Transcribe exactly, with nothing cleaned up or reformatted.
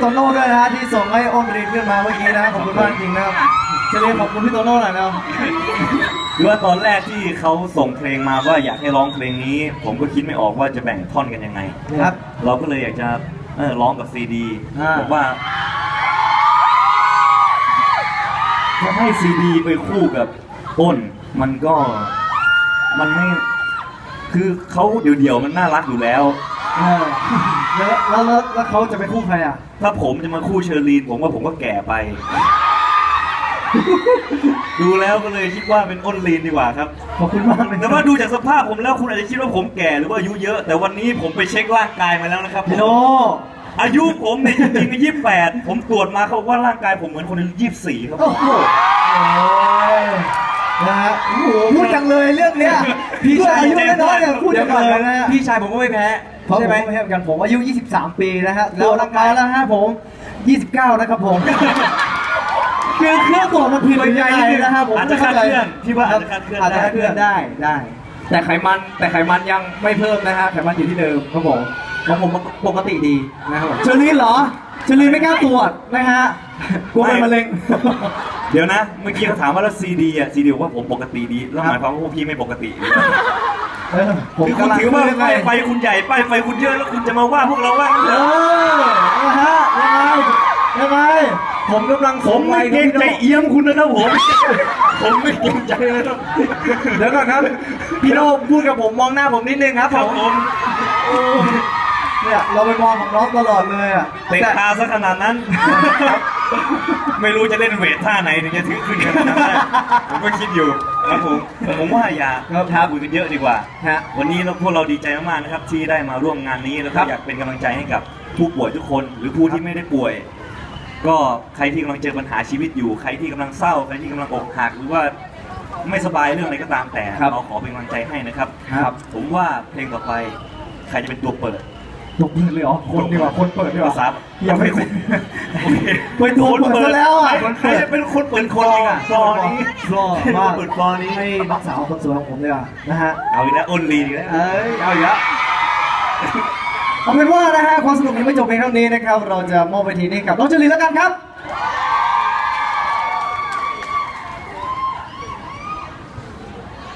โน่ด้วยนะฮะที่ส่งให้อ้นรีนขึ้นมาเมื่อกี้นะขอบคุณมากจริงนะครับเจเลีขอบคุณพี่โตโน่หน่อยนะคือว่าตอนแรกที่เขาส่งเพลงมาว่าอยากให้ร้องเพลงนี้ ผมก็คิดไม่ออกว่าจะแบ่งท่อนกันยังไงครับเราก็เลยอยากจะเออร้องกับซีดีบอกว่าจะให้ซีดีไปคู่กับอ้นมันก็มันไม่คือเขาเดี่ยวๆมันน่ารักอยู่แล้วแล้วแล้วแล้วเขาจะไปคู่ใครอ่ะถ้าผมจะมาคู่เชอรีนผมว่าผมก็แก่ไป ดูแล้วก็เลยคิดว่าเป็นอ้นลีนดีกว่าครับขอบคุณมากเลยแต่ว่าดูจากสภาพผมแล้วคุณอาจจะคิดว่าผมแก่หรือว่าอายุเยอะแต่วันนี้ผมไปเช็คร่างกายมาแล้วนะครับพี่โนอายุผมเนี่ยจริงๆยี่สิบแปดผมตรวจมาเขาบอกว่าร่างกายผมเหมือนคนอายุยี่สิบสี่ครับโอ้โหนะฮะโอ้โหพูดจังเลยเรื่องเนี้ยพี่ชายอายุน้อยๆเนี่ยพูดจังเลยนะพี่ชายผมก็ไม่แพ้ใช่ไหมไม่แพ้กันผมอายุยี่สิบสามปีนะฮะแล้วร่างกายแล้วฮะผมยี่สิบเก้านะครับผมคือเครื่องตัวมันผิดยังไงนะครับผมอาจจะคาดเคลื่อนที่ว่าอาจจะคาดเคลื่อนอาจจะคาดเคลื่อนได้ได้แต่ไขมันแต่ไขมันยังไม่เพิ่มนะฮะไขมันอยู่ที่เดิมครับผมของผมปกติดีนะครับเชอรี่เหรอเชอรี่ไม่กล้าตรวจนะฮะกลัวเป็นมะเร็งเดี๋ยวนะเมื่อกี้เขาถามว่าแล้วซีดีอ่ะซีดีว่าผมปกติดีแล้วหมายความว่าพวกพี่ไม่ปกติผมคุณถือว่าป้ายไฟคุณใหญ่ป้ายไฟคุณเยอะแล้วคุณจะมาว่าพวกเราว่าเออนะฮะยังไงยังไงผมกำลังผมไม่เกรงใจเอี้ยมคุณนะครับผมผมไม่เกรงใจนะครับเดี๋ยวก่อนครับพี่โน่พูดกับผมมองหน้าผมนิดนึงครับผมเนี่ยเราไปมองของน้องตลอดเลยอ่ะเตะตาซะขนาดนั้นไม่รู้จะเล่นเวทท่าไหนถึงจะถึงขึ้นขนาดนั้นผมก็คิดอยู่ครับผมผมว่าอย่าท้าคุยกันเยอะดีกว่าวันนี้เราพวกเราดีใจมากๆนะครับที่ได้มาร่วมงานนี้แล้วก็อยากเป็นกำลังใจให้กับผู้ป่วยทุกคนหรือผู้ที่ไม่ได้ป่วยก็ใครที่กำลังเจอปัญหาชีวิตอยู่ใครที่กำลังเศร้าใครที่กำลังอกหักหรือว่าไม่สบายเรื่องอะไรก็ตามแต่เราขอเป็นกำลังใจให้นะครับผมว่าเพลงต่อไปใครจะเป็นตัวเปิดตัวเปิดเลยเหรอคนดีกว่าคนเปิดดีกว่าครับยังไม่คนไปตัวเปิดแล้วอ่ะใครจะเป็นคนเปิดคนอ่ะฟลอนี้ฟลอมาเปิดฟลอนี้ให้นักสาวคนสวยของผมเลยอ่ะนะฮะเอาอีกแล้วอ้นลีอีกแล้วเอ้ยเอาอีกแล้วเอาเป็นว่านะฮะความสนุกยังไม่จบเพียงเท่านี้นะครับเราจะมอบเวทีนี้กับน้องเจริญแล้วกันครับ